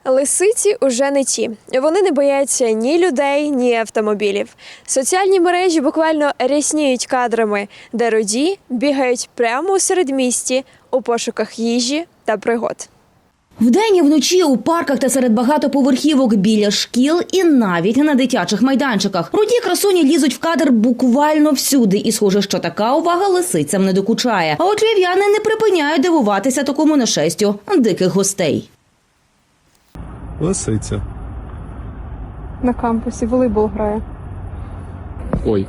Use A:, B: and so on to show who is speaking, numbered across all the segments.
A: Лисиці уже не ті. Вони не бояться ні людей, ні автомобілів. Соціальні мережі буквально рясніють кадрами, де руді бігають прямо у середмісті у пошуках їжі та пригод.
B: Вдень і вночі у парках та серед багатоповерхівок, біля шкіл і навіть на дитячих майданчиках. Руді красуні лізуть в кадр буквально всюди. І схоже, що така увага лисицям не докучає. А от львів'яни не припиняють дивуватися такому нашестю диких гостей.
C: Лисиця.
D: На кампусі волейбол грає.
C: Ой.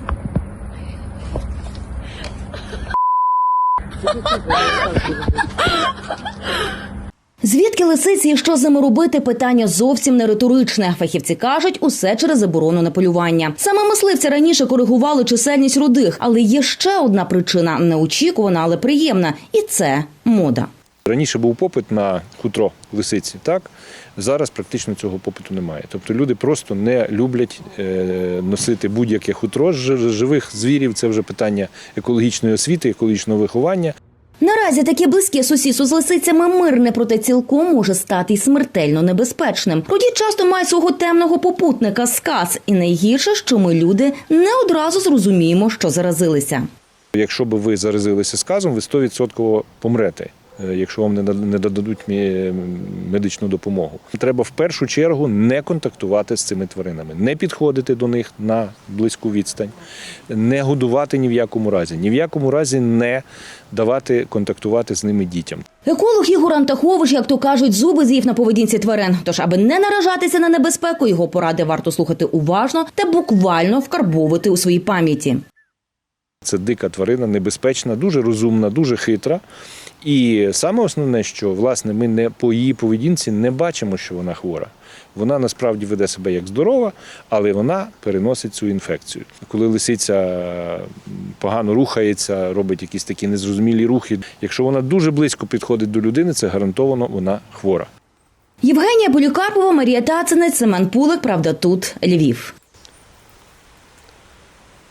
B: Звідки лисиці і що з ними робити – питання зовсім не риторичне. Фахівці кажуть, усе через заборону на полювання. Саме мисливці раніше коригували чисельність рудих. Але є ще одна причина – неочікувана, але приємна. І це мода.
E: Раніше був попит на хутро лисиці, так? Зараз практично цього попиту немає. Тобто люди просто не люблять носити будь-яке хутро з живих звірів. Це вже питання екологічної освіти, екологічного виховання.
B: Наразі таке близьке сусідство з лисицями мирне, проте цілком може стати й смертельно небезпечним. Руді часто мають свого темного попутника – сказ. І найгірше, що ми, люди, не одразу зрозуміємо, що заразилися.
E: Якщо б ви заразилися сказом, ви 100% помрете, якщо вам не дадуть медичну допомогу. Треба в першу чергу не контактувати з цими тваринами, не підходити до них на близьку відстань, не годувати ні в якому разі не давати контактувати з ними дітям.
B: Еколог Ігор Антахович, як то кажуть, зуби з'їв на поведінці тварин. Тож, аби не наражатися на небезпеку, його поради варто слухати уважно та буквально вкарбовувати у своїй пам'яті.
E: Це дика тварина, небезпечна, дуже розумна, дуже хитра. І саме основне, що, власне, ми по її поведінці не бачимо, що вона хвора. Вона насправді веде себе як здорова, але вона переносить цю інфекцію. Коли лисиця погано рухається, робить якісь такі незрозумілі рухи, якщо вона дуже близько підходить до людини, це гарантовано вона хвора.
B: Євгенія Полікарпова, Марія Тацинець, Семен Пулик. Правда, тут Львів.